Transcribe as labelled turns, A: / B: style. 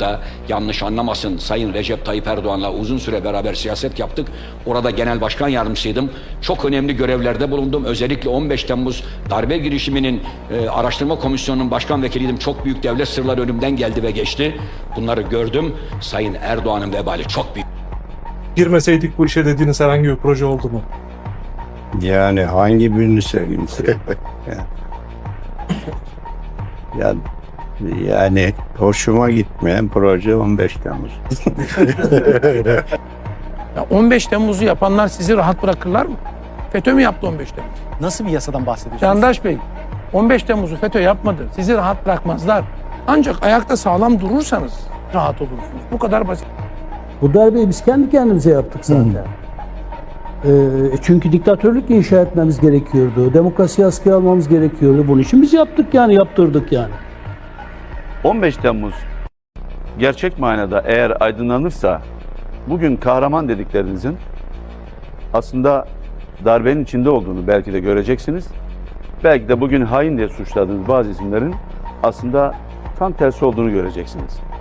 A: da yanlış anlamasın, Sayın Recep Tayyip Erdoğan'la uzun süre beraber siyaset yaptık. Orada genel başkan yardımcısıydım. Çok önemli görevlerde bulundum. Özellikle 15 Temmuz darbe girişiminin araştırma komisyonunun başkan vekiliydim. Çok büyük devlet sırları önümden geldi ve geçti. Bunları gördüm. Sayın Erdoğan'ın vebali çok büyük.
B: Girmeseydik bu işe dediğiniz herhangi bir proje oldu mu?
C: Yani hangi birini söyleyeyim size? Yani hoşuma gitmeyen proje 15 Temmuz.
D: Ya 15 Temmuz'u yapanlar sizi rahat bırakırlar mı? FETÖ mü yaptı 15 Temmuz?
E: Nasıl bir yasadan bahsediyorsunuz?
D: Candaş Bey, 15 Temmuz'u FETÖ yapmadı. Sizi rahat bırakmazlar. Ancak ayakta sağlam durursanız rahat olursunuz. Bu kadar basit.
F: Bu darbeyi biz kendi kendimize yaptık zaten. Çünkü diktatörlük inşa etmemiz gerekiyordu. Demokrasiyi askıya almamız gerekiyordu. Bunun için biz yaptık yani, yaptırdık yani.
G: 15 Temmuz gerçek manada eğer aydınlanırsa bugün kahraman dediklerinizin aslında darbenin içinde olduğunu belki de göreceksiniz. Belki de bugün hain diye suçladığınız bazı isimlerin aslında tam tersi olduğunu göreceksiniz.